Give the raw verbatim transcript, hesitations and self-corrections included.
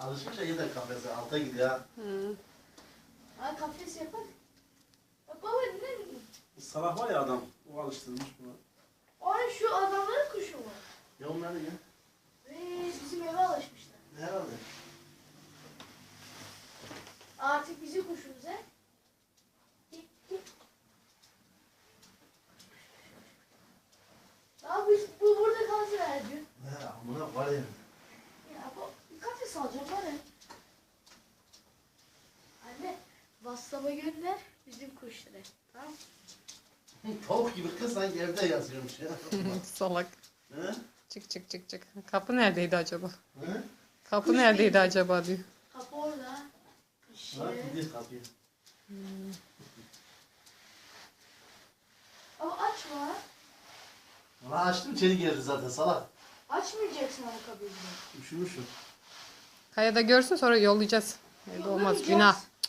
Alışınca yeniden kafese alta gidiyor ha. Hı. Ay kafes yapar. Bak baba ne? Salak var ya adam. O alıştırmış bunu. Ay şu adamların kuşu mu? Ya onlar ne ya? Ve bizim eve alışmışlar. Herhalde. Artık bizim kuşumuz he. Abi bu burada kalsın her gün. He amına var ya. Ya bu bir kafes alacağım var ya. Anne WhatsApp'a gönder bizim kuşları. Tamam. Tavuk gibi kız sanki evde yazıyormuş ya. Salak. He? Çık çık çık çık. Kapı neredeydi acaba? He? Kapı neredeydi acaba diyor. Kapı orada. İşte. Bak gidiyor kapıyı. Ama açma. Valla açtım içeri girdi zaten salak. Açmayacaksın ama kapıyı. Üşümüşüm. Kaya da görsün sonra yollayacağız. Evde olmaz Yollayacağız. günah.